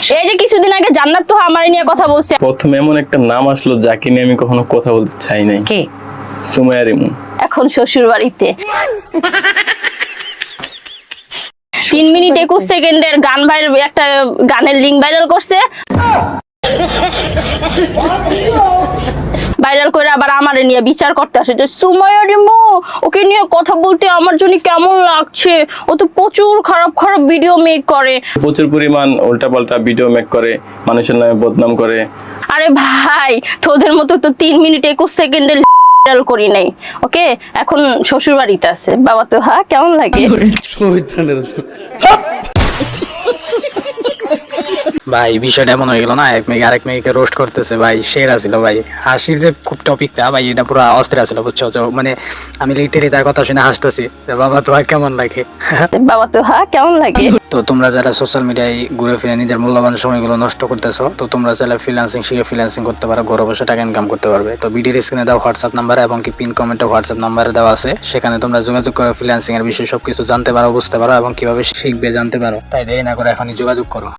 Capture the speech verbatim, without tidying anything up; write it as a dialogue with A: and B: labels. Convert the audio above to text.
A: এই যে কিছুদিন আগে জান্নাত তো আমার নিয়ে কথা বলছে।
B: প্রথমে এমন একটা নাম আসলো যাকে নিয়ে আমি কখনো কথা বলতে চাই নাই।
A: কে?
B: সুমাইয়া রিমু।
A: এখন শ্বশুর বাড়িতে তিন মিনিট একুশ সেকেন্ডের গান ভাইরাল, একটা গানের লিঙ্ক ভাইরাল করছে, ভাইরাল করে আবার আমারে নিয়ে বিচার করতে আসে যে সুমাইয়া রিমু ওকে নিয়ে কথা বলতে আমার জন্য কেমন লাগছে, ও তো প্রচুর খারাপ খারাপ ভিডিও মেক করে,
B: প্রচুর পরিমাণ উল্টাপাল্টা ভিডিও মেক করে, মানুষের নামে বদনাম করে।
A: আরে ভাই তোদের মতো তো তিন মিনিট একুশ সেকেন্ডের ভাইরাল করি নাই। ওকে, এখন শ্বশুর বাড়িতে আছে। বাবা তো হ্যাঁ কেমন লাগে?
C: ভাই বিষয়টা এমন হয়ে গেল না, এক মেয়ে আরেক মেয়েকে রোস্ট করতেছে ভাই, সেরা ছিল ভাই। হাসির যে খুব টপিকটা ভাই, এটা পুরো অস্থির ছিল বুঝছো। তো মানে আমি লিটারি তার কথা শুনে হাসতেছি, বাবা তো কেমন লাগে।
A: বাবা তো হ্যাঁ কেমন লাগে?
C: তো তোমরা যারা সোশ্যাল মিডিয়ায় ঘুরে ফিরে নিজের মূল্যবান সময়গুলো নষ্ট করতেছো, তো তোমরা চাইলে ফ্রিল্যান্সিং শিখে ফ্রিল্যান্সিং করতে পারো, ঘরে বসে টাকা ইনকাম করতে পারবে। তো ভিডিওর স্ক্রিনে দেওয়া হোয়াটসঅ্যাপ নাম্বার এবং কি পিন কমেন্টে হোয়াটসঅ্যাপ নাম্বারে দেওয়া আছে, সেখানে তোমরা যোগাযোগ করে ফ্রিল্যান্সিং এর বিষয়ে সবকিছু জানতে পারো, বুঝতে পারো এবং কিভাবে শিখবে জানতে পারো। তাই দেরি না করে এখনই যোগাযোগ করো।